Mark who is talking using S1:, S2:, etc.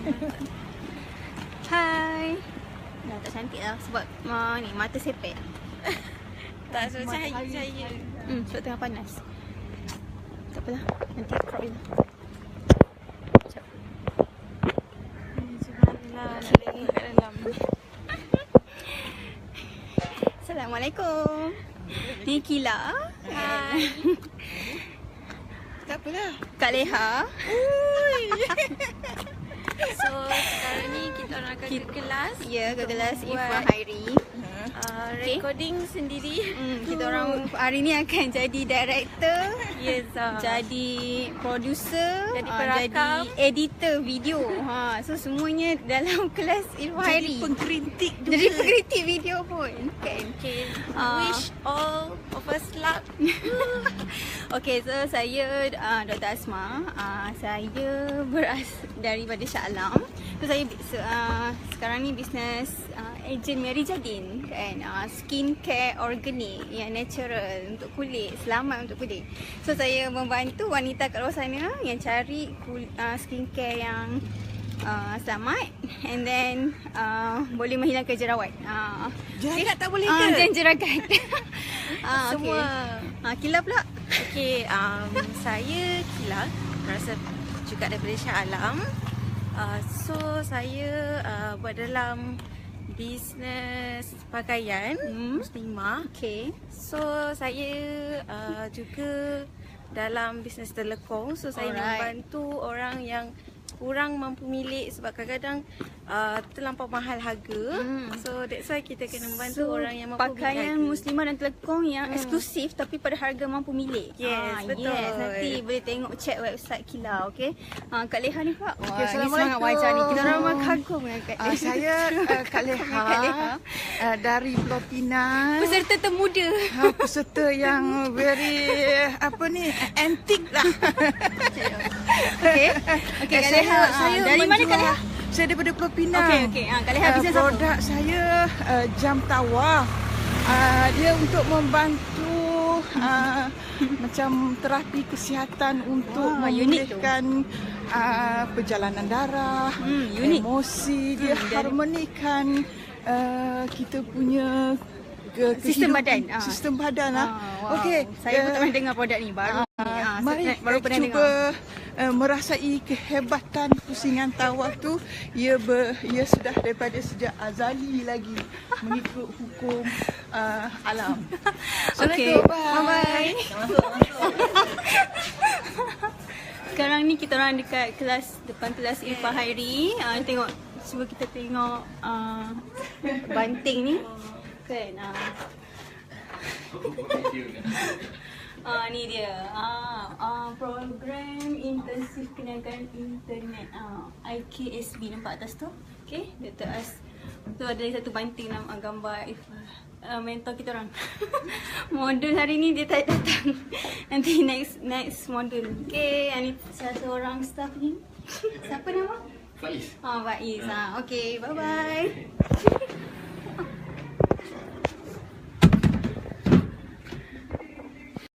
S1: Hai. Dah tak cantik lah sebab ni mata sepet.
S2: Tak, so cahaya.
S1: Sebab tengah panas. Tak apalah, nanti crop je. Sekejap.
S2: Subhanallah, nak tengok kat dalam.
S1: Assalamualaikum. Ni Kila.
S2: Hai. Tak apalah.
S1: Kak Leha.
S2: So sekarang ni kita orang akan ke kelas.
S1: Ya, ke kelas
S2: Buat,
S1: Ifah Hairi.
S2: recording sendiri.
S1: Kita orang hari ni akan jadi director,
S2: Yes.
S1: jadi producer,
S2: Jadi perakam,
S1: jadi editor video. So semuanya dalam kelas Ifah Hairi.
S2: Jadi pengkritik juga.
S1: Jadi pengkritik video pun kan.
S2: Okay. Wish all of us luck.
S1: Okay, so saya Dr. Asma. Saya daripada Shah Alam. So saya sekarang ni bisnes agent Mary Jadin kan. Skincare organik yang natural untuk kulit, selamat untuk kulit. So saya membantu wanita kat luar sana yang cari skincare yang selamat and then boleh menghilangkan jerawat.
S2: Jerawat tak boleh ke?
S1: Dan jeragat.
S2: Semua.
S1: Okay. Kila pula.
S2: Okay, saya Kila, berasal juga daripada Shah Alam. So saya buat dalam bisnes pakaian muslimah.
S1: Okay.
S2: So saya juga dalam bisnes telekong. So saya membantu orang yang kurang mampu milik sebab kadang-kadang terlampau mahal harga. So that's why kita kena membantu orang yang mampu
S1: pakaian muslimah dan telekong yang eksklusif tapi pada harga mampu milik.
S2: Yes, betul.
S1: Yes, nanti boleh tengok check website Kila, okey. Kak Leha ni Pak.
S3: Okay,
S1: Assalamualaikum. Ni wajah ni. Kita orang kagum dengan Kak Leha.
S3: Saya Kak Leha, dari Pulau Pinang.
S1: Peserta termuda.
S3: Peserta yang very antik lah.
S1: Okey. Okey, Kak Leha. Dari mana Kak Leha?
S3: Saya daripada Pulau Pinang.
S1: Okey. Kak Leha bisnes apa?
S3: Produk saya jam tawaf. Dia untuk membantu macam terapi kesihatan untuk memulihkan perjalanan darah, emosi, dia harmonikan kita punya
S1: sistem badan.
S3: Sistem badan
S1: Wow.
S3: Okey,
S1: Saya pun tak pernah dengar produk ni baru.
S3: Mari
S1: baru pernah
S3: cuba
S1: dengar.
S3: merasai kehebatan pusingan tawaf tu. Ia sudah daripada sejak azali lagi mengikut hukum alam.
S1: Okey.
S3: Assalamualaikum.
S1: Bye. Sekarang ni kita orang dekat depan kelas Ifah Hairi. Cuba kita tengok banting ni. Kan. Ni dia. Program intensif kenaikan internet. IKSB nampak atas tu. Okey, Dr. As. Tu ada satu banting nama gambar Ifah. Mentor kita orang. Model hari ni dia tak datang. Nanti next model. Okey, ni satu orang staff ni. Siapa nama?
S4: Faiz.
S1: Faiz. Okey, bye bye.